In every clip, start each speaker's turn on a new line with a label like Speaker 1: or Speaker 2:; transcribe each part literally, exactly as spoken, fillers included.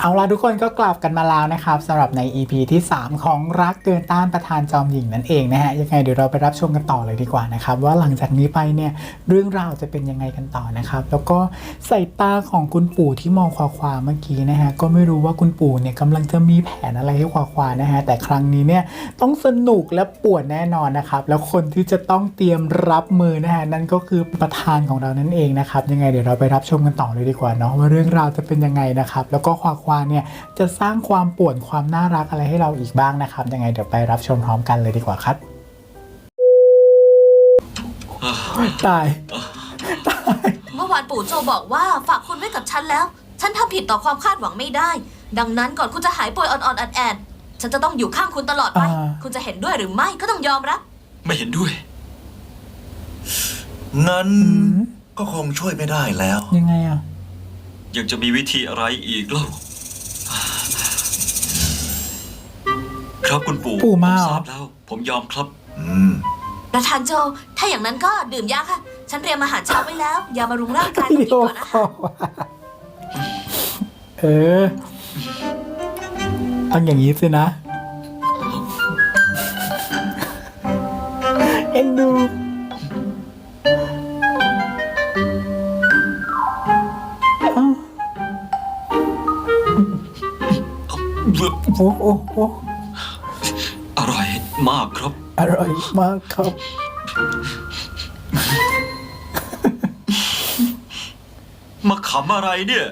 Speaker 1: เอาล่ะทุกคนก็กลับกันมาแล้วนะครับสำหรับใน อี พี ที่สามของรักเกินต้านประธานจอมหญิงนั่นเองนะฮะยังไงเดี๋ยวเราไปรับชมกันต่อเลยดีกว่านะครับว่าหลังจากนี้ไปเนี่ยเรื่องราวจะเป็นยังไงกันต่อนะครับแล้วก็สายตาของคุณปู่ที่มองควาควาเมื่อกี้นะฮะก็ไม่รู้ว่าคุณปู่เนี่ยกำลังจะมีแผนอะไรให้ควาควานะฮะแต่ครั้งนี้เนี่ยต้องสนุกและปวดแน่นอนนะครับแล้วคนที่จะต้องเตรียมรับมือนะฮะนั่นก็คือประธานของเรานั่นเองนะครับยังไงเดี๋ยวเราไปรับชมกันต่อเลยดีกว่าเนาะว่าเรื่องราวจะเป็นยังไงนะครับแล้วก็ควาควาเนี่ยจะสร้างความป่วนความน่ารักอะไรให้เราอีกบ้างนะครับยังไงเดี๋ยวไปรับชมพร้อมกันเลยดีกว่าครับตายตาย
Speaker 2: เมื่อวานปู่โจบอกว่าฝากคุณไว้กับฉันแล้วฉันทำผิดต่อความคาดหวังไม่ได้ดังนั้นก่อนคุณจะหายป่วยอ่อนๆแอดๆฉันจะต้องอยู่ข้างคุณตลอดไปคุณจะเห็นด้วยหรือไม่ก็ต้องยอมรับ
Speaker 3: ไม่เห็นด้วย
Speaker 4: งั้นก็คงช่วยไม่ได้แล้ว
Speaker 1: ยังไงอ่ะ
Speaker 3: ยังจะมีวิธีอะไรอีกเล่าครับคุณปู่
Speaker 1: ปู่มา
Speaker 3: ทราบแล้วผมยอมครับ
Speaker 4: อืม
Speaker 2: ประธานโจถ้าอย่างนั้นก็ดื่มยาค่ะฉันเตรียมอาหารเช้าไว้แล้วยาบำรุงร่างกายต้องกินก่อนนะคะ
Speaker 1: เออต้องอย่างนี้สินะเอ็นดูโอ้โอ้โอ้
Speaker 3: อร่อยมากครับ
Speaker 1: อร่อยมากครับ
Speaker 3: มาขำอะไรเนี่ย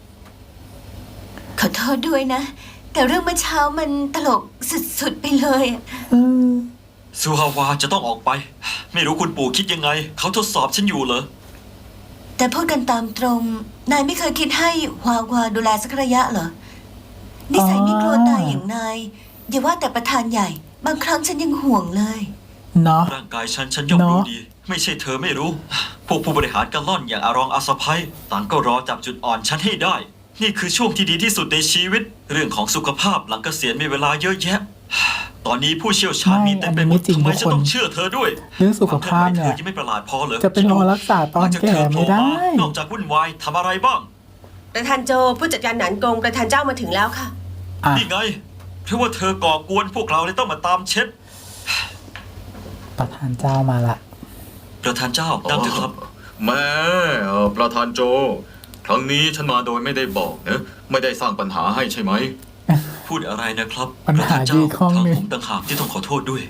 Speaker 2: ขอโทษด้วยนะแต่เรื่องเมื่อเช้ามันตลกสุดๆไปเลย
Speaker 3: ซูฮาวาจะต้องออกไปไม่รู้คุณปู่คิดยังไงเขาทดสอบฉันอยู่เหรอ
Speaker 2: แต่พูดกันตามตรงนายไม่เคยคิดให้ฮวาวาดูแลสักระยะเหรอนิสัยไม่กลัวตายอย่างนายอย่าว่าแต่ประธานใหญ่บางครั้งฉันยังห่วงเลย
Speaker 1: เนาะ
Speaker 3: ร่างกายฉันฉันย่อมรู้ดีไม่ใช่เธอไม่รู้พวกผู้บริหารกะล่อนอย่างอารองอาสะไพต่างก็รอจับจุดอ่อนฉันให้ได้นี่คือช่วงที่ดีที่สุดในชีวิตเรื่องของสุขภาพหลังเกษียณมีเวลาเยอะแยะตอนนี้ผู้เชี่ยวชาญมีเต็มไปหมดทำไมฉันต้องเชื่อเธอด้วย
Speaker 1: เรื่องสุขภาพเนี่ย
Speaker 3: ยังไม่ประหลาดพอเลย
Speaker 1: จะเป็นรอรักษาตอนแก่ไม่ได้
Speaker 3: นอกจากวุ่นวายทำอะไรบ้าง
Speaker 5: ประธานโจผู้จัดการหนานกงประธานเจ้ามาถึงแล้วค่ะ
Speaker 3: นี่ไงเพราะว่าเธอก่อกวนพวกเราเลยต้องมาตามเช็ด
Speaker 1: ประธานเจ้ามาละ
Speaker 3: ประธานเจ้านั่งเถอะครับ
Speaker 4: แม่ประธานโจครั้งนี้ฉันมาโดยไม่ได้บอกนะไม่ได้สร้างปัญหาให้ใช่ไหม
Speaker 3: พูดอะไรนะครับ
Speaker 1: ปัญหาที่ข้อง
Speaker 3: ทาง
Speaker 1: นึง
Speaker 3: ผมต่างหากที่ต้องขอโทษด้วย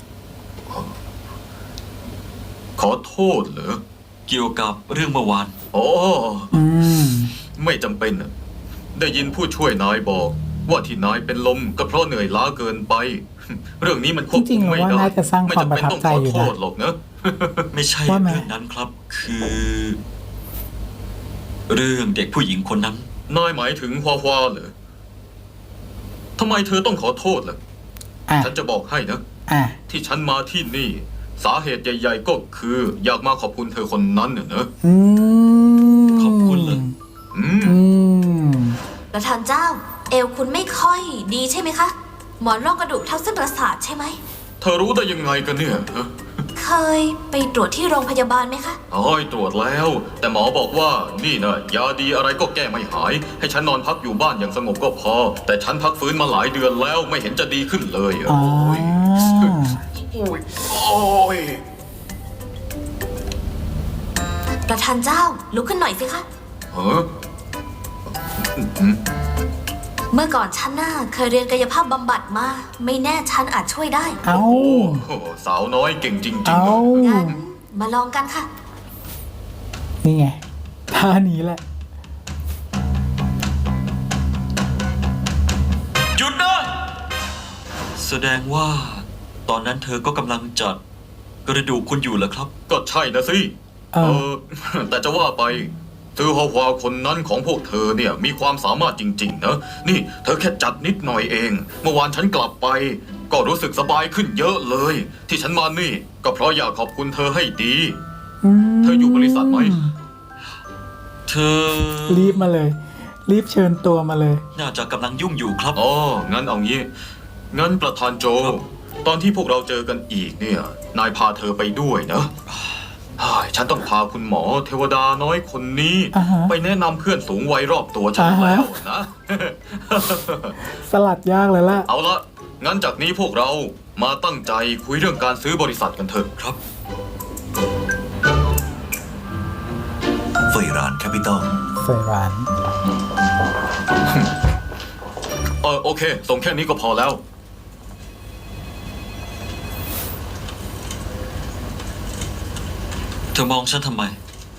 Speaker 4: ขอโทษเหรอ
Speaker 3: เกี่ยวกับเรื่องเมื่อวาน
Speaker 4: โอ้
Speaker 1: อืม
Speaker 4: ไม่จำเป็นได้ยินผู้ช่วยนายบอกว่าที่นายเป็นลมก็เพราะเหนื่อยล้าเกินไปเรื่องนี้มันควบคุมไม่ได้
Speaker 1: ไม่จำเป็นต้องขอโทษ
Speaker 4: หรอกนะ
Speaker 3: ไม่ใช่เรื่องนั้นครับคือเรื่องเด็กผู้หญิงคนนั้น
Speaker 4: นายหมายถึงฮวาฮวาเหรอทำไมเธอต้องขอโทษล่ะฉันจะบอกให้นะที่ฉันมาที่นี่สาเหตุใหญ่ๆก็คืออยากมาขอบคุณเธอคนนั้นเนอะ
Speaker 3: ขอบคุณเลย
Speaker 2: ประธานเจ้าเอวคุณไม่ค่อยดีใช่ไหมคะหมอนรองกระดูกทับเส้นประสาทใช่ไหม
Speaker 4: เธอรู้ได้ยังไงกันเนี่ย
Speaker 2: เคยไปตรวจที่โรงพยาบาลไหมคะ
Speaker 4: อ๋อตรวจแล้วแต่หมอบอกว่านี่นะยาดีอะไรก็แก้ไม่หายให้ฉันนอนพักอยู่บ้านอย่างสงบก็พอแต่ฉันพักฟื้นมาหลายเดือนแล้วไม่เห็นจะดีขึ้นเลยโอ้ยโอ้ยโอ้ย
Speaker 2: ประธานเจ้าลุกขึ้นหน่อยสิคะ
Speaker 4: เฮ้อ
Speaker 2: เมื่อก่อนฉันน่ะเคยเรียนกายภาพบำบัดมาไม่แน่ฉันอาจช่วยได้
Speaker 1: เอา
Speaker 4: สาวน้อยเก่งจริงๆ
Speaker 1: เอา
Speaker 2: งั้นมาลองกันค่ะ
Speaker 1: นี่ไงท่านี้แหละ
Speaker 3: หยุดนะแสดงว่าตอนนั้นเธอก็กำลังจัดกระดูกคุณอยู่เหรอครับ
Speaker 4: ก็ใช่นะสิเออแต่จะว่าไปเธอฮาวาคนนั้นของพวกเธอเนี่ยมีความสามารถจริงๆนะนี่เธอแค่จัดนิดหน่อยเองเมื่อวานฉันกลับไปก็รู้สึกสบายขึ้นเยอะเลยที่ฉันมานี่ก็เพราะอยากขอบคุณเธอให้ดีเธออยู่บริษัทไหม
Speaker 3: เธอ
Speaker 1: รีบมาเลยรีบเชิญตัวมาเลย
Speaker 3: น่าจะกำลังยุ่งอยู่ครับ
Speaker 4: อ๋องั้นเอางี้งั้นประธานโจตอนที่พวกเราเจอกันอีกเนี่ยนายพาเธอไปด้วยนะเฮ้ยฉันต้องพาคุณหมอเทวดาน้อยคนนี้
Speaker 1: อ่าฮะ
Speaker 4: ไปแนะนำเพื่อนสูงวัยรอบตัวฉัน
Speaker 1: อ่าฮะ
Speaker 4: แล้วนะ
Speaker 1: สลัดยากเลยล่ะ
Speaker 4: เอาละงั้นจากนี้พวกเรามาตั้งใจคุยเรื่องการซื้อบริษัทกันเถอะ
Speaker 3: ครับ
Speaker 6: เฟยรานแคปิตอล
Speaker 1: เฟยราน
Speaker 4: เออโอเค ส่งแค่นี้ก็พอแล้ว
Speaker 3: เธอมองฉันทำไม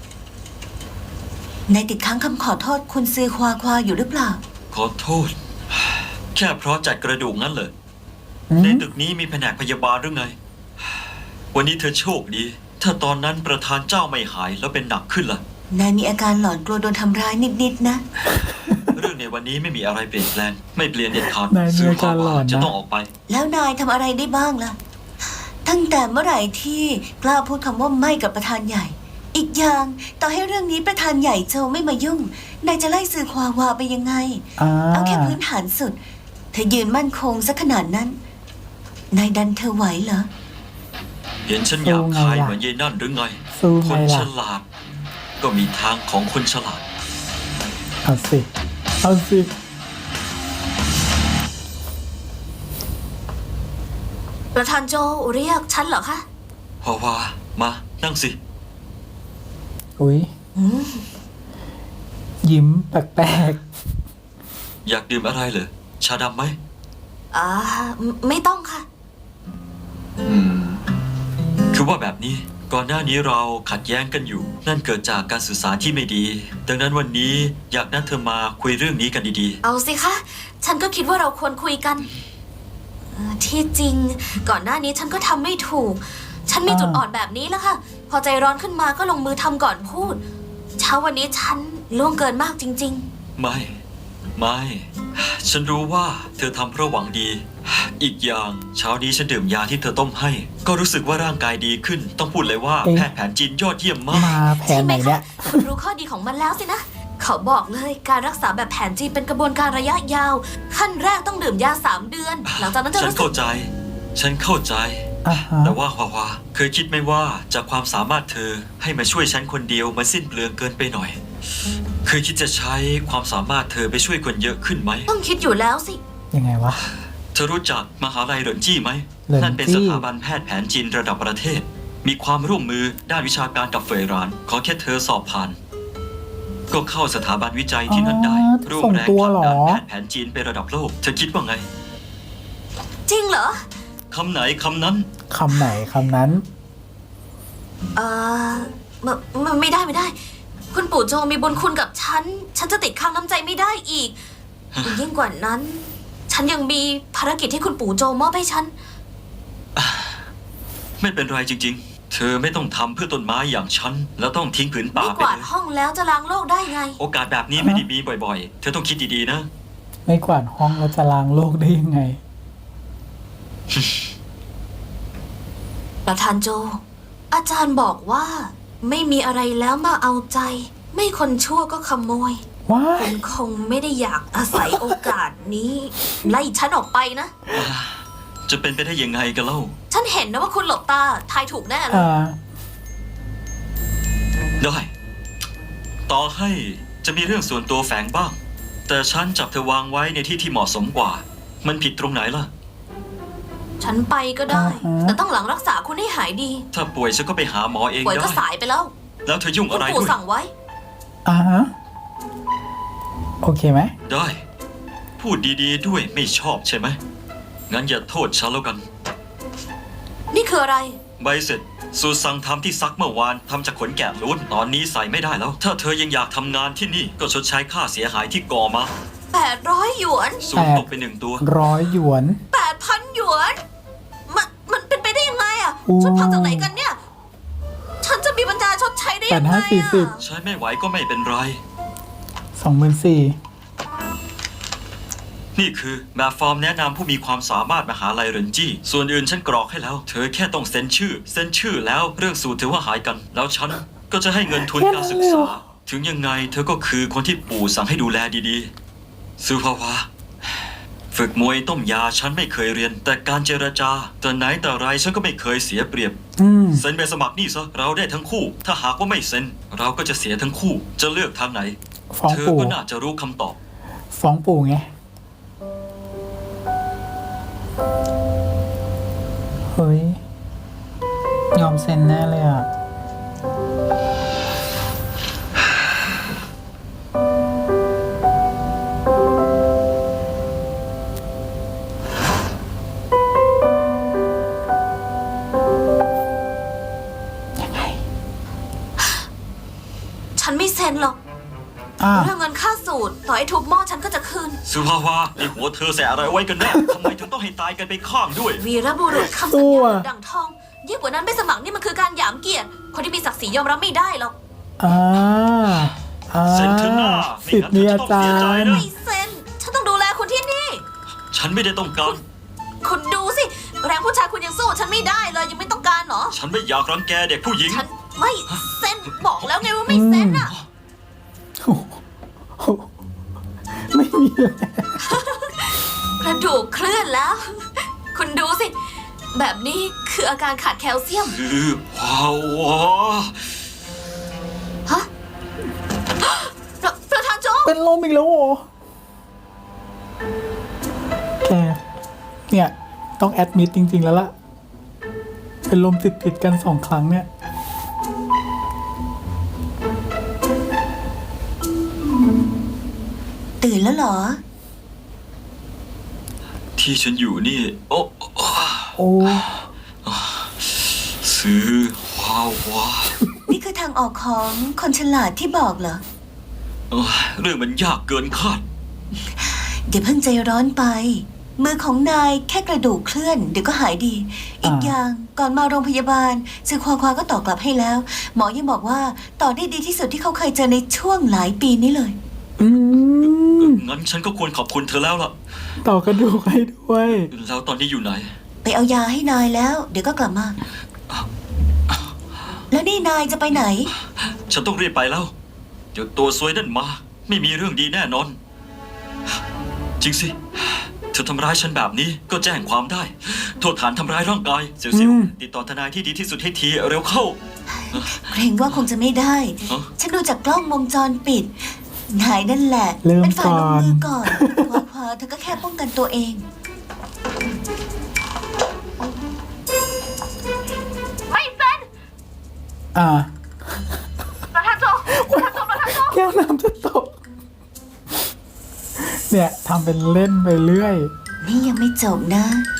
Speaker 2: นายติดค้างคำขอโทษคุณซือควาควาอยู่หรือเปล่า
Speaker 3: ขอโทษ แค่เพราะจัดกระดูกงั้นเลย
Speaker 1: อื
Speaker 3: ใน
Speaker 1: ม
Speaker 3: ตึกนี้มีแผนกพยาบาลหรือไง วันนี้เธอโชคดี ถ้าตอนนั้นประธานเจ้าไม่หายแล้วเป็นหนักขึ้นล่ะ
Speaker 2: นายมีอาการหลอนกลัวโดนทำร้ายนิดๆนะ
Speaker 3: เรื่องในวันนี้ไม่มีอะไรเปลี่ยนแปลง ไม่เปลี่ยนเด็ดขาด
Speaker 1: นายมีอาการหลอนนะ
Speaker 3: จะต้องออกไป
Speaker 2: แล้วนายทำอะไรได้บ้างล่ะ ตั้งแต่เมื่อไหร่ที่กล้าพูดคำว่าไม่กับประธานใหญ่ อีกอย่างต่อให้เรื่องนี้ประธานใหญ่โจไม่มายุ่ง นายจะไล่ซือควาวาไปยังไง
Speaker 1: อ่า
Speaker 2: เอาแค่พื้นฐานสุด เธอยืนมั่นคงสักขนาดนั้น นายดันเธอไหวเหรอ
Speaker 3: เห็นฉันหยาบคายเหมือนยายนั่นหรือไง
Speaker 1: สู้
Speaker 3: ค
Speaker 1: ไง
Speaker 3: นฉ
Speaker 1: ล่ะ
Speaker 3: ลาด ก็มีทางของคนฉลาด
Speaker 1: เอาสิเอาสิ
Speaker 7: ประธานโจเรียกฉันเหรอคะ
Speaker 3: พอว่ามา นั่งสิ
Speaker 1: อุ้ยยิ้มแปลก
Speaker 3: อยากดื่มอะไรเหรอ ชาดำไหม
Speaker 7: อ่าไม่ไม่ต้องค่ะ
Speaker 3: คือว่าแบบนี้ ก่อนหน้านี้เราขัดแย้งกันอยู่ นั่นเกิดจากการสื่อสารที่ไม่ดี ดังนั้นวันนี้อยากนัดเธอมาคุยเรื่องนี้กันดี
Speaker 7: เอาสิคะ ฉันก็คิดว่าเราควรคุยกันเอ่อที่จริง ก่อนหน้านี้ฉันก็ทำไม่ถูก ฉันมีจุดอ่อนแบบนี้แล้วค่ะ พอใจร้อนขึ้นมาก็ลงมือทำก่อนพูด เช้าวันนี้ฉันล่วงเกินมากจริง
Speaker 3: ๆ ไม่ ไม่ ฉันรู้ว่าเธอทำเพราะหวังดี อีกอย่างเช้านี้ฉันดื่มยาที่เธอต้มให้ ก็รู้สึกว่าร่างกายดีขึ้น ต้องพูดเลยว่าแพทย์แผนจีนยอดเยี่ยม
Speaker 1: ๆ
Speaker 3: มาก
Speaker 1: มาแผ
Speaker 7: ๆ ใช่
Speaker 1: น
Speaker 7: ไห
Speaker 1: ไห
Speaker 7: ม
Speaker 1: นเนี่
Speaker 7: คะ
Speaker 1: ย
Speaker 7: คุณรู้ข้อดีของมันแล้วสินะ เขาบอกเลยการรักษาแบบแผนจีนเป็นกระบวนการระยะยาว ขั้นแรกต้องดื่มยาสามเดือน หลังจากนั้นจะ
Speaker 3: ฉัน
Speaker 7: รู้สึ
Speaker 3: เข้าก ใจ ฉันเข้าใจ
Speaker 1: อ่าฮะ
Speaker 3: แต่ว่าฮวาวาเคยคิดไหมว่าจากความสามารถเธอให้มาช่วยฉันคนเดียวมันสิ้นเปลืองเกินไปหน่อย เคยคิดจะใช้ความสามารถเธอไปช่วยคนเยอะขึ้นไหม
Speaker 7: ต้องคิดอยู่แล้วสิ
Speaker 1: ยังไงวะ
Speaker 3: เธอรู้จักมหาลัยเหรินจี้ไหม
Speaker 1: เหรินจี้
Speaker 3: นั่นเป็นสถาบันแพทย์แผนจีนระดับประเทศ มีความร่วมมือด้านวิชาการกับเฟยราน ขอแค่เธอสอบผ่าน ก็เข้าสถาบันวิจัยที่นั่นได้
Speaker 1: อ๋อ
Speaker 3: ร่วม
Speaker 1: ส่ง
Speaker 3: แรง
Speaker 1: ตัว
Speaker 3: ผลัก
Speaker 1: เหรอ
Speaker 3: ดันแพทย์แผนจีนไประดับโลก เธอคิดว่าไง
Speaker 7: จริงเหรอ
Speaker 3: คำไหนคำนั้น
Speaker 1: คำไหนคำนั้น
Speaker 7: เออมันมันไม่ได้ไม่ได้ คุณปู่โจมีบุญคุณกับฉัน ฉันจะติดค้างน้ำใจไม่ได้อีก ยิ่งกว่านั้น ฉันยังมีภารกิจที่คุณปู่โจมอบให้ฉัน
Speaker 3: ไม่เป็นไรจริง ๆ เธอไม่ต้องทำเพื่อต้นไม้อย่างฉัน แล้วต้องทิ้งผืนป่า
Speaker 7: ไม่
Speaker 3: ไป
Speaker 7: กวาด
Speaker 3: เลย
Speaker 7: ห้องแล้วจะล้างโลกได้ไง
Speaker 3: โอกาสแบบนี้ไม่ได้มีบ่อยๆ เธอต้องคิดดีๆนะ
Speaker 1: ไม่กวาดห้องแล้วจะล้างโลกได้ยังไง
Speaker 7: ประธานโจ อาจารย์บอกว่า ไม่มีอะไรแล้วมาเอาใจ ไม่คนชั่วก็ขโมย
Speaker 1: ว้า
Speaker 7: คุ
Speaker 1: ย
Speaker 7: ณคงไม่ได้อยากอาศัยโอกาสนี้ ไล่ฉันออกไปนะ
Speaker 3: จะเป็นไปได้ยังไงกันเล่า
Speaker 7: ฉันเห็นนะว่าคุณหลบตา ทายถูกแน่เลย
Speaker 1: อ่า
Speaker 3: ได้ ต่อให้จะมีเรื่องส่วนตัวแฝงบ้าง แต่ฉันจับเธอวางไว้ในที่ที่เหมาะสมกว่า มันผิดตรงไหนล่ะ
Speaker 7: ฉันไปก็ได้
Speaker 1: อ่าฮะ
Speaker 7: แต่ต้องหลังรักษาคุณให้หายดี
Speaker 3: ถ้าป่วยฉันก็ไปหาหมอเอง
Speaker 7: ป่วย
Speaker 3: ได้
Speaker 7: ก็สายไปแล้ว
Speaker 3: แล้วเธอยุ่ง
Speaker 7: คุ
Speaker 3: อะ
Speaker 7: ณ
Speaker 3: ไร
Speaker 7: ปู่
Speaker 3: ด้วย
Speaker 7: สั่งไว้
Speaker 1: อ่าฮะ โอเคไหม
Speaker 3: ได้ พูดดีๆด้วยไม่ชอบใช่ไหม งั้นอย่าโทษฉันแล้วกัน
Speaker 7: นี่คืออะไร
Speaker 3: ใบเสร็จสูตรสั่งทำที่ซักเมื่อวานทำจากขนแกะล้วนตอนนี้ใส่ไม่ได้แล้ว ถ้าเธอยังอยากทำงานที่นี่ก็ชดใช้ค่าเสียหายที่ก่อมา
Speaker 7: แปดร้อยหยวน
Speaker 3: สูตรตกไปหนึ่งตัว
Speaker 1: ร้อยหยวน
Speaker 7: แปดพันหยวน มันมันเป็นไปได้ยังไงอะ
Speaker 1: อู้
Speaker 7: ชุดพังจากไหนกันเนี่ย ฉันจะมีปัญญาชดใช้ได้
Speaker 1: แป
Speaker 7: ยั
Speaker 1: ด
Speaker 7: งไง
Speaker 1: ห้าสี่สิบ
Speaker 7: อะ
Speaker 3: ใช้ไม่ไหวก็ไม่เป็นไร
Speaker 1: สองหมื่นสี่
Speaker 3: นี่คือแบบฟอร์มแนะนำผู้มีความสามารถมหาลัยเรินจี้ ส่วนอื่นฉันกรอกให้แล้ว เธอแค่ต้องเซ็นชื่อ เซ็นชื่อแล้วเรื่องสูตรถือว่าหายกัน แล้วฉันก็จะให้เงินทุนการศึกษา ถึงยังไงเธอก็คือคนที่ปู่สั่งให้ดูแลดีๆซูภาวะฝึกมวยต้มยาฉันไม่เคยเรียน แต่การเจรจาแต่ไหนแต่ไรฉันก็ไม่เคยเสียเปรียบ
Speaker 1: อืม
Speaker 3: เซ็นใบสมัครนี่ซะเราได้ทั้งคู่ ถ้าหากว่าไม่เซ็น เราก็จะเสียทั้งคู่ จะเลือกทางไหน
Speaker 1: ฟ้อง
Speaker 3: เธอ
Speaker 1: ปู่
Speaker 3: ก็น่าจะรู้คำตอบ
Speaker 1: ฟ้องปู่ไง เฮ้ย ยอมเซ็นแน่เลยอ่ะ
Speaker 7: ฉันไม่เซ็นหรอก
Speaker 1: อ่า
Speaker 7: เรื่องเงินค่าสูตรต่อให้ทุบหม้อฉันก็จะคืน
Speaker 3: สุภาวาในหัวเธอใส่อะไรไว้กันแน่ ทำไมถึงต้องให้ตายกันไปข้างด้วย
Speaker 7: วีรบุรุษคำสัญ
Speaker 1: สู้
Speaker 7: ญา
Speaker 1: อะ
Speaker 7: ดั่งทองยิ่งกว่านั้นไปสมัครนี่มันคือการหยามเกียรติ คนที่มีศักดิ์ศรียอมรับไม่ได้หรอก
Speaker 1: อ่า อ่า
Speaker 3: เซ็นเถอะหน้าไม่
Speaker 1: สิท
Speaker 3: งั้น
Speaker 1: ธิ์มี
Speaker 3: เธอ
Speaker 1: อา
Speaker 3: จะต้อง
Speaker 1: จา
Speaker 3: เสียใจ
Speaker 1: รย์
Speaker 3: นะ
Speaker 7: ไม่เซ็น ฉันต้องดูแลคุณที่นี่
Speaker 3: ฉันไม่ได้ต้องการ
Speaker 7: คุณดูสิ แรงผู้ชายคุณยังสู้ฉันไม่ได้เลยยังไม่ต้องการเหรอ
Speaker 3: ฉันไม่อยากรังแกเด็กผู้หญิง
Speaker 7: ฉันไม่เซ็นบอกแล้วไงว่าไม่เซ็นอ่ะ
Speaker 1: โอ้โหไม่มีเลย
Speaker 7: กระดูกเคลื่อนแล้ว คุณดูสิ แบบนี้คืออาการขาดแคลเซียม
Speaker 3: คือว้าววะ
Speaker 7: ฮะประประธานโจ๊ก
Speaker 1: เป็นลมอีกแล้วเหรอแก เนี่ย ต้องแอดมิดจริง ๆ แล้วล่ะ เป็นลมติดติดๆกันสองครั้งเนี่ย
Speaker 2: ตื่นแล้วเหรอ
Speaker 3: ที่ฉันอยู่นี่ โอ้
Speaker 1: โอ้
Speaker 3: ซื้อว้าววะ
Speaker 2: นี่คือทางออกของคนฉลาดที่บอกเหรอ
Speaker 3: เอ้ยเรื่องมันยากเกินคาด
Speaker 2: เดี๋ยวเพิ่งใจร้อนไป มือของนายแค่กระดูกเคลื่อน เดี๋ยวก็หายดี อีก
Speaker 1: อ่า
Speaker 2: อย่างก่อนมาโรงพยาบาลซือควาควาก็ต่อกลับให้แล้ว หมอยังบอกว่าต่อได้ดีที่สุดที่เขาเคยเจอในช่วงหลายปีนี้เลย
Speaker 1: อืม
Speaker 3: งั้นฉันก็ควรขอบคุณเธอแล้วล่ะ
Speaker 1: ต่อกระดูกให้ด้วย
Speaker 3: แล้วตอนนี้อยู่ไหน
Speaker 2: ไปเอายาให้นายแล้ว เดี๋ยวก็กลับมา แล้วนี่นายจะไปไหน
Speaker 3: ฉันต้องรีบไปแล้วเดี๋ยวตัวซวยนั่นมา ไม่มีเรื่องดีแน่นอน จริงสิ เธอทำร้ายฉันแบบนี้ก็แจ้งความได้ โทษฐานทำร้ายร่างกาย เสียว
Speaker 1: อืม
Speaker 3: ๆติดต่อทนายที่ดีที่สุดให้ทีเร็วเข้า
Speaker 2: เกรงว่าคงจะไม่ได้
Speaker 3: ฮะ
Speaker 2: ฉันดูจากกล้องวงจรปิด นายนั่นแหละ
Speaker 1: เริ่ม
Speaker 2: เป็นฝ่ายลงมือ
Speaker 1: ก่
Speaker 2: ก่
Speaker 1: อ
Speaker 2: อน น ควาควาเธอก็แค่ป้องกันตัวเอง
Speaker 7: ไม่เซ็น
Speaker 1: อ่า
Speaker 7: ประธานโจ๊กประธานโจ๊กประธานโจ๊ก
Speaker 1: แก้วน้ำจะตก เนี่ยทำเป็นเล่นไปเรื่อย
Speaker 2: นี่ยังไม่จบนะ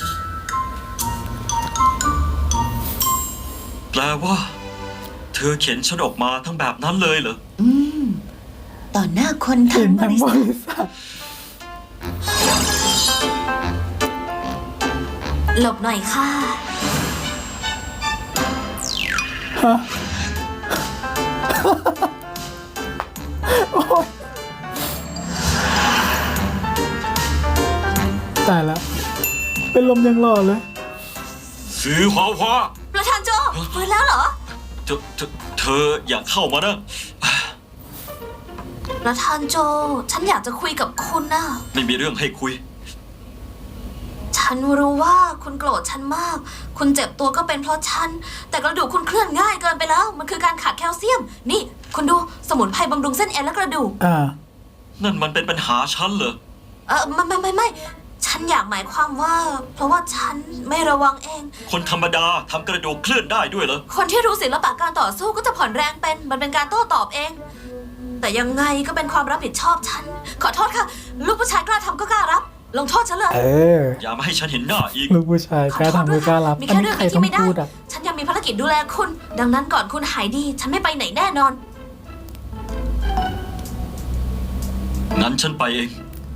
Speaker 3: แปลว่า เธอเข็นฉันออกมาทั้งแบบนั้นเลยเหรอ
Speaker 2: อืม ต่อหน้าคน
Speaker 1: เห็
Speaker 2: ทั้
Speaker 1: น
Speaker 2: งบ
Speaker 1: ทั้ง
Speaker 2: ริ
Speaker 1: บ
Speaker 2: ษัท
Speaker 1: ริษัท
Speaker 7: หลบหน่อยค่ะ
Speaker 1: ฮะ โอ๊ยตายแล้ว เป็นลมยังหล่อเลย
Speaker 3: ซื้อหวาวา
Speaker 7: ประธานโจ๊กฟื้นแล้วเหรอ
Speaker 3: เธอเธอเธออยากเข้ามานะ
Speaker 7: ประธานโจ ฉันอยากจะคุยกับคุณนะ
Speaker 3: ไม่มีเรื่องให้คุย
Speaker 7: ฉันรู้ว่าคุณโกรธฉันมาก คุณเจ็บตัวก็เป็นเพราะฉัน แต่กระดูกคุณเคลื่อนง่ายเกินไปแล้ว มันคือการขาดแคลเซียม นี่ คุณดูสมุนไพรบำรุงเส้นเอ็นและกระดูก
Speaker 1: อ่า
Speaker 3: นั่นมันเป็นปัญหาฉันเหรอ
Speaker 7: เออไม่ไม่ไม่ไม่ ฉันอยากหมายความว่า เพราะว่าฉันไม่ระวังเอง
Speaker 3: คนธรรมดาทำกระดูกเคลื่อนได้ด้วยเหรอ
Speaker 7: คนที่รู้ศิลปะการต่อสู้ก็จะผ่อนแรงเป็น มันเป็นการโต้ตอบเอง แต่ยังไงก็เป็นความรับผิดชอบฉัน ขอโทษค่ะ ลูกผู้ชายกล้าทำก็กล้ารับ ลงโทษฉันเลย
Speaker 1: เออ
Speaker 3: อย่ามาให้ฉันเห็นหน้าอีก
Speaker 1: ลูกผู้ชายกล้าทำไม่กล้ารับ
Speaker 7: มี
Speaker 1: อัน
Speaker 7: แค่
Speaker 1: นี้
Speaker 7: เรื่อง
Speaker 1: ใคร
Speaker 7: เดียว
Speaker 1: ต้อ
Speaker 7: ที่
Speaker 1: ง
Speaker 7: ไม่ได้
Speaker 1: พูดอ่ะ
Speaker 7: ฉันยังมีภารกิจดูแลคุณ ดังนั้นก่อนคุณหายดี ฉันไม่ไปไหนแน่นอน
Speaker 3: งั้นฉันไปเอง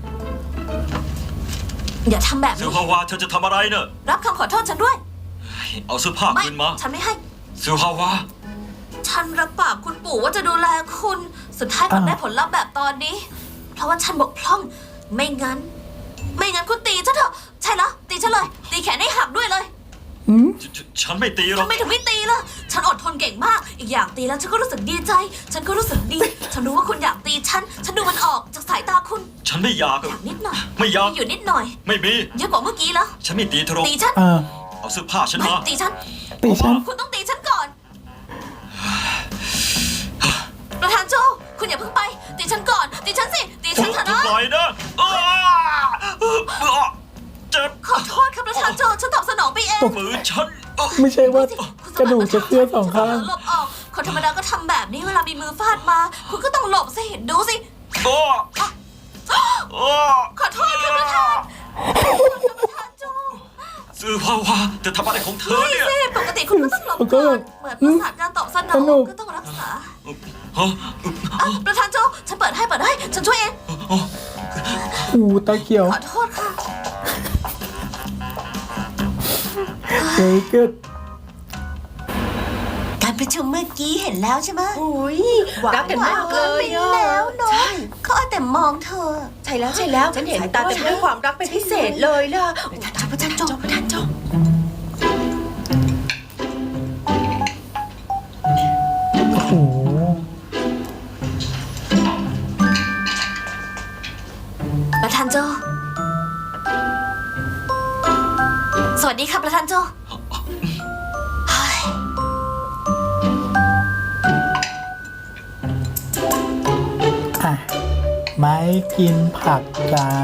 Speaker 7: อย่าทำแบบ
Speaker 3: เสื
Speaker 7: นี้
Speaker 3: อฮาวาเธอจะทำอะไรเนอะ
Speaker 7: รับคำขอโทษฉันด้วย
Speaker 3: เอาเสื้อผ้า
Speaker 7: ไม่
Speaker 3: คืนมา
Speaker 7: ฉันไม่ให้
Speaker 3: เสือฮาวา
Speaker 7: ฉันรับปากคุณปู่ว่าจะดูแลคุณ สุดท้ายกลับ
Speaker 1: อ่า
Speaker 7: ได้ผลลัพธ์แบบตอนนี้ เพราะว่าฉันบกพร่อง ไม่งั้น ไม่งั้นคุณตีฉันเถอะ ใช่แล้วตีฉันเลย ตีแขนให้หักด้วยเลย
Speaker 1: ออืม
Speaker 3: ฉฉฉันไม่ตีหรอก
Speaker 7: ทำไมถึงไม่ตีล่ะ ฉันอดทนเก่งมาก อีกอย่างตีแล้วฉันก็รู้สึกดีใจ ฉันก็รู้สึกดี ฉันรู้ว่าคุณอยากตีฉัน ฉันดูมันออกจากสายตาคุณ
Speaker 3: ฉันไม่อยาก
Speaker 7: อยากนิดหน่อย
Speaker 3: ไม่อยาก
Speaker 7: มีอยู่นิดหน่อย
Speaker 3: ไม่มี
Speaker 7: เยอะกว่าเมื่อกี้แล้ว
Speaker 3: ฉันไม่ตีเธอหรอก
Speaker 7: ตีฉัน
Speaker 1: เออ
Speaker 3: เอาเสื้อผ้าฉัน
Speaker 7: ไม่
Speaker 3: มา
Speaker 7: ตีฉัน
Speaker 1: ตีฉัน
Speaker 7: คุณต้องตีฉันก่อน ประธานโจ คุณอย่าเพิ่งไป ตีฉันก่อน ตีฉันสิ ตีฉันเถอะนะ
Speaker 3: ปล่อยนะอ้าเจ็บ
Speaker 7: ขอโทษครับประธานโจ ฉันตอบสนองไปเอง
Speaker 3: มือฉันเอ้อ
Speaker 1: ไม่ใช่ว่า
Speaker 7: คุณ
Speaker 1: กระดูกจะเคลื่อนสองข้าง
Speaker 7: หลบออก คนธรรมดาก็ทำแบบนี้เวลามีมือฟาดมา คุณก็ต้องหลบสิ ดูสิ
Speaker 3: อ้ออ้อ
Speaker 7: ขอโทษครับประธานประธานโจ
Speaker 3: ซื้อภาวะจะทำอะไรของเธอ
Speaker 7: ไม่
Speaker 3: เนี่ย
Speaker 7: สิปกติคุณก็ต้องหลบ
Speaker 1: ผมก็
Speaker 7: ก่
Speaker 1: แบ
Speaker 7: อน
Speaker 1: บ
Speaker 7: เหมือนประสาทการตอบสนอ
Speaker 1: สนุ
Speaker 7: ง
Speaker 1: ก
Speaker 7: ก็ต้องรักษา
Speaker 3: ฮะ
Speaker 7: อ่ะประธานโจ ฉันเปิดให้เปิดให้ ฉันช่วยเอง
Speaker 1: อูตาเขียว
Speaker 7: ขอโทษค่ะ
Speaker 1: very good
Speaker 2: การประชุมเมื่อกี้เห็นแล้วใช่ไหม
Speaker 5: อุ้ยรักกันมากเลย
Speaker 2: หวาน
Speaker 5: อ่ะ
Speaker 2: ไปแล้วเนอะ
Speaker 5: ใช่
Speaker 2: เขาเอาแต่มองเธอ
Speaker 5: ใช่แล้วใช่แล้ว ฉันเห็นตาเต็มด้วยความรักเป็นพิเศษเลยล่ะประธานโจประธานโจประธานโจ
Speaker 1: โอ้โห
Speaker 7: ประธานโจ สวัสดีค่ะประธานโจเฮ้ย
Speaker 1: อ่ะ ไม่กินผักจ้า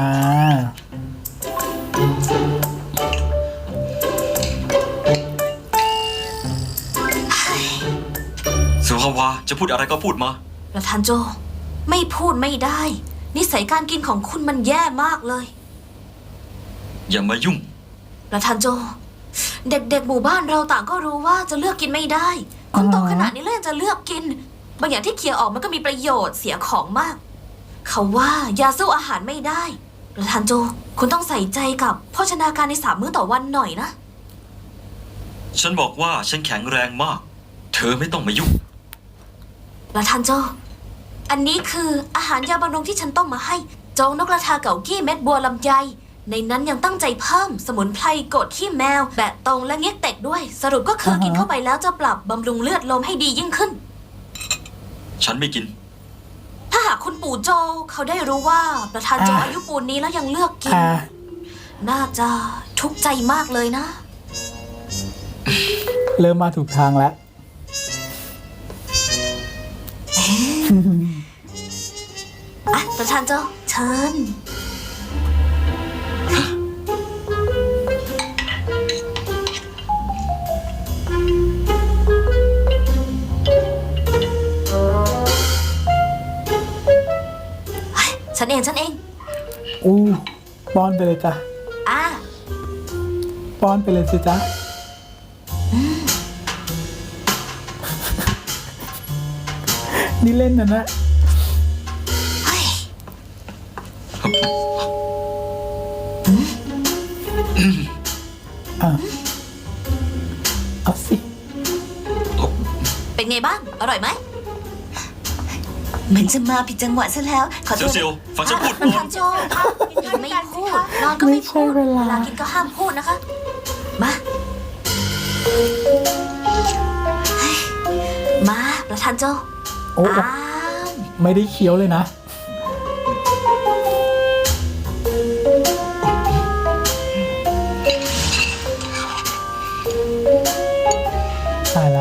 Speaker 3: สุภาวะจะพูดอะไรก็พูดมา
Speaker 7: ประธานโจ ไม่พูดไม่ได้ นิสัยการกินของคุณมันแย่มากเลย
Speaker 3: อย่ามายุ่ง
Speaker 7: ประธานโจ เด็กๆหมู่บ้านเราต่างก็รู้ว่าจะเลือกกินไม่ได้ คุณโตขนาดนี้แล้วยังจะเลือกกิน บางอย่างที่เคี่ยวออกมันก็มีประโยชน์เสียของมาก เขาว่ายาสู้อาหารไม่ได้ ประธานโจ คุณต้องใส่ใจกับโภชนาการในสามมื้อต่อวันหน่อยนะ
Speaker 3: ฉันบอกว่าฉันแข็งแรงมาก เธอไม่ต้องมายุ่ง
Speaker 7: ประธานโจ อันนี้คืออาหารยาบำรุงที่ฉันต้มมาให้ โจ๊กนกกระทาเก่ากี้เม็ดบัวลำไย ในนั้นยังตั้งใจเพิ่มสมุนไพรโกดขี้แมว แบะตรงและเงี้ยเต็กด้วย สรุปก็คือ
Speaker 1: อ่าฮะ
Speaker 7: กินเข้าไปแล้วจะปรับบำรุงเลือดลมให้ดียิ่งขึ้น
Speaker 3: ฉันไม่กิน
Speaker 7: ถ้าหากคุณปู่โจเขาได้รู้ว่าประธานโจ
Speaker 1: อ่า
Speaker 7: อายุปูนนี้แล้วยังเลือกกิน
Speaker 1: อ่ะ
Speaker 7: น่าจะทุกข์ใจมากเลยนะ
Speaker 1: เริ่มมาถูกทางแล้ว
Speaker 7: อ่ะ ประธานโจเชิญ เฮ้ยฉันเองฉันเอง
Speaker 1: อู้ป้อนไปเลยจ้ะ
Speaker 7: อ่ะ
Speaker 1: ป้อนไปเลยสิจ๊ะ นี่เล่นนะนะ
Speaker 7: เฮ้ย
Speaker 1: อ่ะ เอาสิ
Speaker 7: เป็นไงบ้าง อร่อยไหม
Speaker 2: เหมือนจะมาผิดจังหวะซะแล้ว ขอโท
Speaker 3: เซียว
Speaker 2: ษ
Speaker 3: เซียวฟังฉันพูด
Speaker 7: ป
Speaker 3: ก่
Speaker 7: ระ
Speaker 3: อน
Speaker 7: ธานโจกินไม่พูด นอนก็ไม่พูด
Speaker 1: ไม่ใช่เวลา
Speaker 7: เวลากินก็ห้ามพูดนะคะ มาเฮ้ยมาประธานโจ
Speaker 1: โอ้
Speaker 7: อ้าม
Speaker 1: ไม่ได้เคี้ยวเลยนะ ตายละ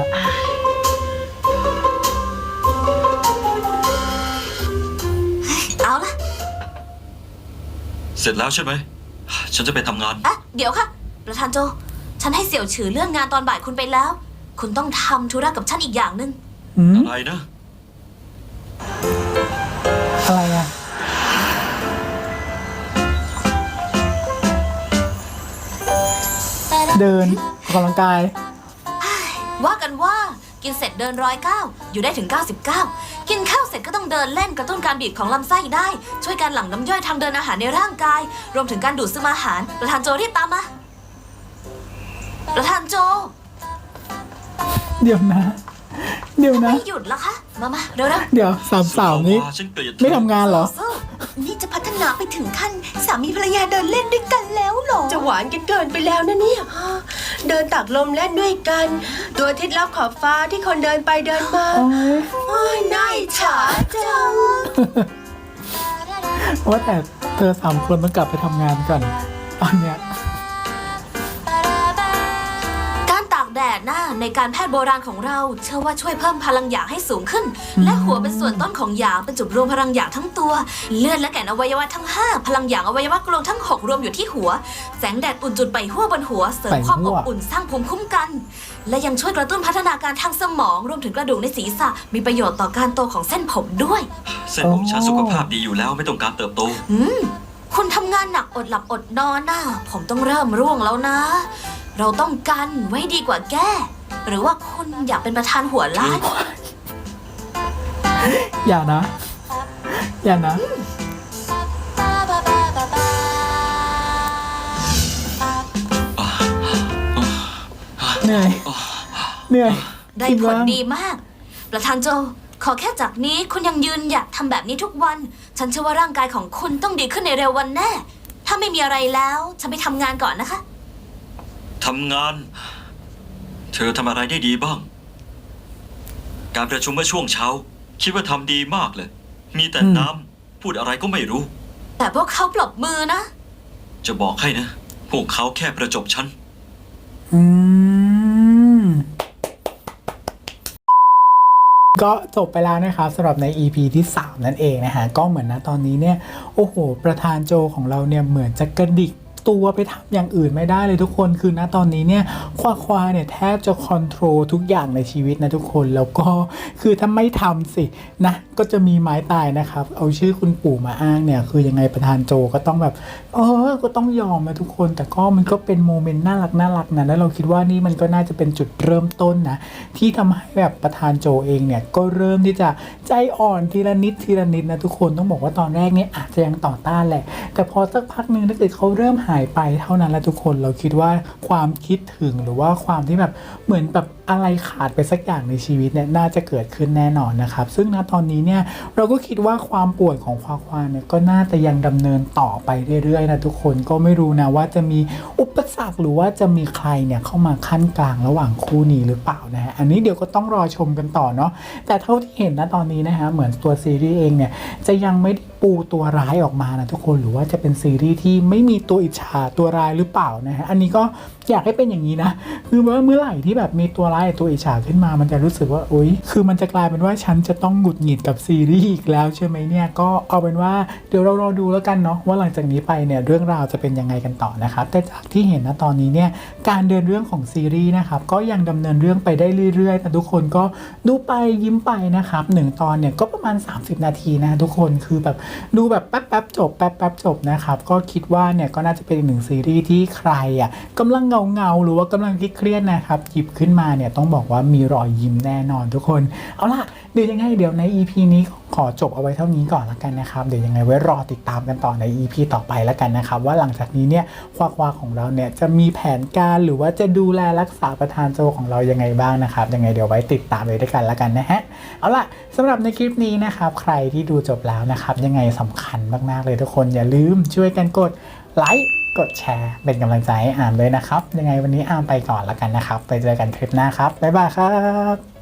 Speaker 7: เอาละ
Speaker 3: เสร็จแล้วใช่ไหม ฉันจะไปทำงาน
Speaker 7: อ่ะ เดี๋ยวค่ะ ประธานโจ ฉันให้เสี่ยวฉือเลื่อนงานตอนบ่ายคุณไปแล้ว คุณต้องทำธุระกับฉันอีกอย่างหนึ่ง
Speaker 1: อืม
Speaker 3: อะไรนะ
Speaker 1: อะไรอ่ะ เดินออกกำลังกาย
Speaker 7: ว่ากันว่ากินเสร็จเดินร้อยเก้าอยู่ได้ถึง เก้าสิบเก้า กินข้าวเสร็จก็ต้องเดินเล่นกระตุ้นการบีบของลำไส้ได้ ช่วยการหลั่งน้ำย่อยทางเดินอาหารในร่างกาย รวมถึงการดูดซึมอาหาร ประธานโจรีบตามมา ประธานโจ
Speaker 1: เดี๋ยวนะ เดี๋ยวนะ
Speaker 7: ไม่หยุดแล้วคะ มามาเร็วๆ
Speaker 1: เดี๋ยวสามสาวนี้
Speaker 3: ฉันเกลียดเธอ
Speaker 1: ไม่ทำงานเหรอ
Speaker 7: สู้
Speaker 2: นี่จะพัฒนาไปถึงขั้นสามีภรรยาเดินเล่นด้วยกันแล้วเหรอ
Speaker 5: จะหวานกันเกินไปแล้วนะเนี่ยเดินตากลมเล่นด้วยกันดวงอาทิตย์ลับขอบฟ้าที่คนเดินไปเดินมา
Speaker 1: โอ้ย
Speaker 5: โอ้ยน่าอิจฉาจัง
Speaker 1: ว่าแต่เธอสามคนต้องกลับไปทำงานก่อนตอนเนี้ย
Speaker 7: การตากแดดน่ะในการแพทย์โบราณของเราเชื่อว่าช่วยเพิ่มพลังหยางให้สูงขึ้น และหัวเป็นส่วนต้นของหยางเป็นจุดรวมพลังหยางทั้งตัว เลือดและแก่นอวัยวะทั้งห้าพลังหยางอวัยวะกลวงทั้งหกรวมอยู่ที่หัว แสงแดดอุ่นจุดไปหัวบนหัวเสริมความอบอุ่นสร้างภูมิคุ้มกัน และยังช่วยกระตุ้นพัฒนาการทางสมองรวมถึงกระดูกในศีรษะมีประโยชน์ต่อการโตของเส้นผมด้วย
Speaker 3: เส้นผมฉันสุขภาพดีอยู่แล้วไม่ต้องการเติบโต
Speaker 7: อืมคุณทำงานหนักอดหลับอดนอนน่ะผมต้องเริ่มร่วงแล้วนะ เราต้องกันไว้ดีกว่าแก้ หรือว่าคุณอยากเป็นประธานหัวล้าน
Speaker 1: อย่านะ อย่านะ เหนื่อย เหนื่อย
Speaker 7: ได้ผลดีมาก ประธานโจ ขอแค่จากนี้คุณยังยืนอยากทำแบบนี้ทุกวัน ฉันเชื่อว่าร่างกายของคุณต้องดีขึ้นในเร็ววันแน่ ถ้าไม่มีอะไรแล้ว ฉันไปทำงานก่อนนะคะ
Speaker 3: ทำงาน เธอทำอะไรได้ดีบ้าง การประชุมเมื่อช่วงเช้า คิดว่าทำดีมากเลย มีแต่
Speaker 1: อืม
Speaker 3: น้ำพูดอะไรก็ไม่รู้
Speaker 7: แต่พวกเขาปรบมือนะ
Speaker 3: จะบอกให้นะ พวกเขาแค่ประจบฉัน
Speaker 1: อืม ก็จบไปแล้วนะครับสำหรับใน อี พี ที่ สาม นั่นเองนะฮะก็เหมือนนะตอนนี้เนี่ยโอ้โหประธานโจของเราเนี่ยเหมือนจะกระดิกตัวไปทำอย่างอื่นไม่ได้เลยทุกคนคือณตอนนี้เนี่ยควาควาเนี่ยแทบจะคอนโทรลทุกอย่างในชีวิตนะทุกคนแล้วก็คือถ้าไม่ทำสินะก็จะมีไม้ตายนะครับเอาชื่อคุณปู่มาอ้างเนี่ยคือยังไงประธานโจก็ต้องแบบเออก็ต้องยอมนะทุกคนแต่ก็มันก็เป็นโมเมนต์น่ารักน่ารักนะแล้วเราคิดว่านี่มันก็น่าจะเป็นจุดเริ่มต้นนะที่ทำให้แบบประธานโจเองเนี่ยก็เริ่มที่จะใจอ่อนทีละนิดทีละนิดนะทุกคนต้องบอกว่าตอนแรกเนี่ยอาจจะยังต่อต้านแหละแต่พอสักพักนึงถ้าเกิดเขาเริ่มหายไปเท่านั้นแล้วทุกคนเราคิดว่าความคิดถึงหรือว่าความที่แบบเหมือนแบบอะไรขาดไปสักอย่างในชีวิตเนี่ยน่าจะเกิดขึ้นแน่นอนนะครับซึ่งณตอนนี้เนี่ยเราก็คิดว่าความป่วยของควาควาเนี่ยก็น่าจะยังดำเนินต่อไปเรื่อยๆนะทุกคนก็ไม่รู้นะว่าจะมีอุปสรรคหรือว่าจะมีใครเนี่ยเข้ามาขั้นกลางระหว่างคู่นี้หรือเปล่านะฮะอันนี้เดี๋ยวก็ต้องรอชมกันต่อเนาะแต่เท่าที่เห็นนะตอนนี้นะฮะเหมือนตัวซีรีส์เองเนี่ยจะยังไม่ได้ปูตัวร้ายออกมานะทุกคนหรือว่าจะเป็นซีรีส์ที่ไม่มีตัวอิจฉาตัวร้ายหรือเปล่านะฮะอันนี้ก็อยากให้เป็นอย่างนี้นะคือว่าเมื่อไหร่ที่แบบมีตัวร้ายตัวอิจฉาขึ้นมามันจะรู้สึกว่าโอ๊ยคือมันจะกลายเป็นว่าฉันจะต้องหงุดหงิดกับซีรีส์อีกแล้วใช่ไหมเนี่ยก็เอาเป็นว่าเดี๋ยวเรารอดูแล้วกันเนาะว่าหลังจากนี้ไปเนี่ยเรื่องราวจะเป็นยังไงกันต่อนะครับแต่จากที่เห็นนะตอนนี้เนี่ยการเดินเรื่องของซีรีส์นะครับก็ยังดำเนินเรื่องไปได้เรื่อยๆแต่ทุกคนก็ดูไปยิ้มไปนะครับหนึ่งตอนเนี่ยก็ประมาณสามสิบนาทีนะทุกคนคือแบบดูแบบแป๊บๆจบแป๊บๆจบนะครับก็คิดว่าเนี่ยก็น่าจะเป็นอีกหนึ่งซีรีส์ที่ใครอ่ะกำลังเงาเงาๆหรือว่ากำลังเครียดๆนะครับหยิบขึ้นมาเนี่ยต้องบอกว่ามีรอยยิ้มแน่นอนทุกคนเอาล่ะเดี๋ยวยังไงเดี๋ยวใน อี พี นี้ขอจบเอาไว้เท่านี้ก่อนละกันนะครับเดี๋ยวยังไงไว้รอติดตามกันต่อใน อี พี ต่อไปละกันนะครับว่าหลังจากนี้เนี่ยควาควาของเราเนี่ยจะมีแผนการหรือว่าจะดูแลรักษาประธานโจของเรายังไงบ้างนะครับยังไงเดี๋ยวไว้ติดตามเลยด้วยกันละกันนะฮะเอาล่ะสำหรับในคลิปนี้นะครับใครที่ดูจบแล้วนะครับยังไงสำคัญมากๆเลยทุกคนอย่าลืมช่วยกันกดไลค์กดแชร์เป็นกำลังใจให้อามด้วยนะครับยังไงวันนี้อามไปก่อนละกันนะครับไปเจอกันคลิปหน้าครับบ๊ายบายครับ